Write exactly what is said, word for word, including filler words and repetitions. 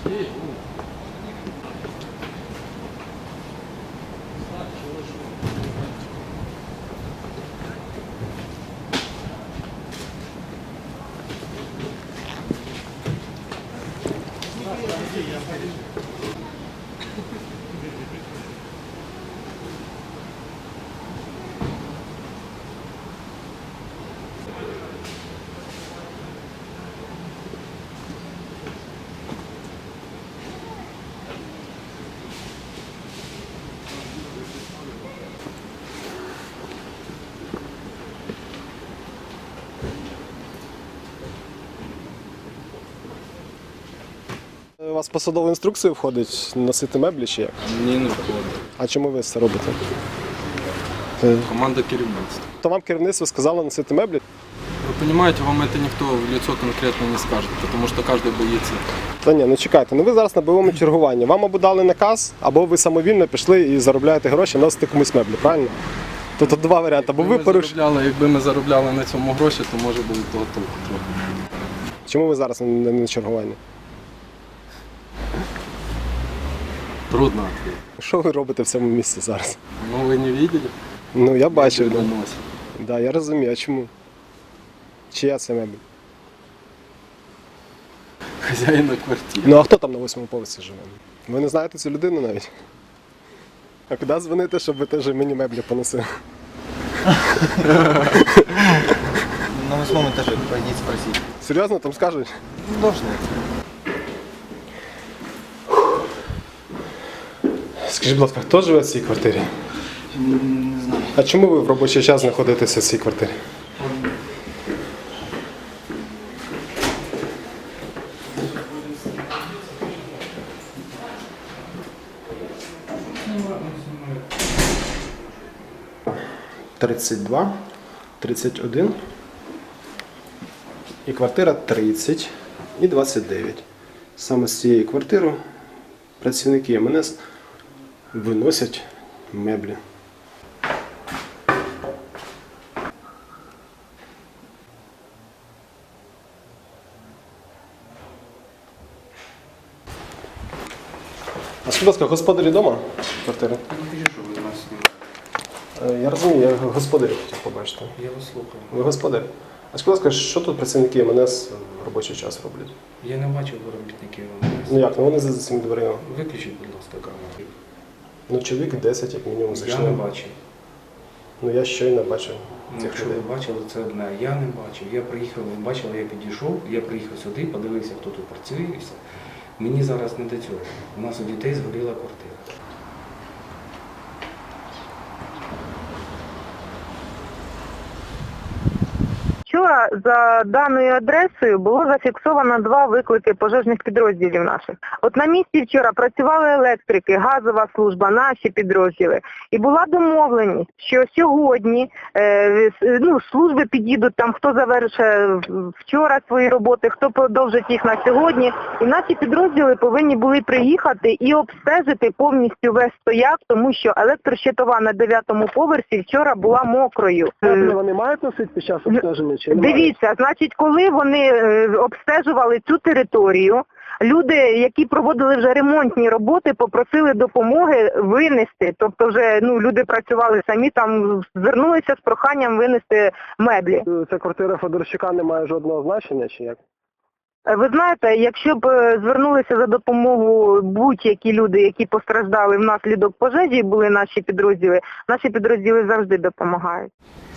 У вас посадову інструкцію входить носити меблі чи як? Ні, не входить. А чому ви це робите? Команда керівництва. То вам керівництво сказало носити меблі? Ви розумієте, вам це ніхто в лицо конкретно не скаже, тому що кожен боїться. Та ні, ну чекайте, ну ви зараз на бойовому чергуванні. Вам або дали наказ, або ви самовільно пішли і заробляєте гроші, носите комусь меблі, правильно? Тобто два варіанти. Або ви порушили. Якби ми заробляли на цьому гроші, то може було того толку трохи. Чому ви зараз не на чергуванні? Трудно відповідати. Що ви робите в цьому місці зараз? Ну ви не бачили? Ну я бачив. Да. Да. Да, я розумію, а чому? Чия це мебель? Хазяїна квартири. Ну а хто там на восьмому поверсі живе? Ви не знаєте цю людину навіть? А куди дзвонити, щоб ви теж мені меблі поносили? На восьмом этаже пойдите спросить. Серйозно, там скажуть? Должны. Скажіть, будь ласка, хто живе в цій квартирі? Не знаю. А чому ви в робочий час знаходитеся в цій квартирі? тридцять два, тридцять один і квартира тридцять і двадцять дев'ять. Саме з цієї квартири працівники ем ен ес виносять меблі. А скажіть, будь ласка, господарі вдома квартири? Е, Я розумію, я господарів хотів побачити. Я вас слухаю. Ви господар. А скажіть, будь ласка, що тут працівники ем ен ес в робочий час роблять? Я не бачив робітників ем ен ес. Ну як, ну вони за цими дверима. Виключіть, будь ласка, камеру. Ну чоловік десять, як мінімум, Я зайшли. не бачив. Ну я щойно бачив Ну, цих якщо людей. ви бачили, це одне. Я не бачив. Я приїхав, ви бачили, я підійшов, я приїхав сюди, подивився, хто тут працює і все. Мені зараз не до цього. У нас у дітей згоріла квартира. Вчора за даною адресою було зафіксовано два виклики пожежних підрозділів наших. От на місці вчора працювали електрики, газова служба, наші підрозділи. І була домовленість, що сьогодні е, ну, служби підійдуть, там хто завершив вчора свої роботи, хто продовжить їх на сьогодні. І наші підрозділи повинні були приїхати і обстежити повністю весь стояк, тому що електрощитова на дев'ятому поверсі вчора була мокрою. Вони мають носити під час обстеження? Дивіться, значить, коли вони е, обстежували цю територію, люди, які проводили вже ремонтні роботи, попросили допомоги винести. Тобто вже ну, люди працювали самі, там звернулися з проханням винести меблі. Ця квартира Федорчука не має жодного значення, чи як? Ви знаєте, якщо б е, звернулися за допомогою будь-які люди, які постраждали внаслідок пожежі, були наші підрозділи, наші підрозділи завжди допомагають.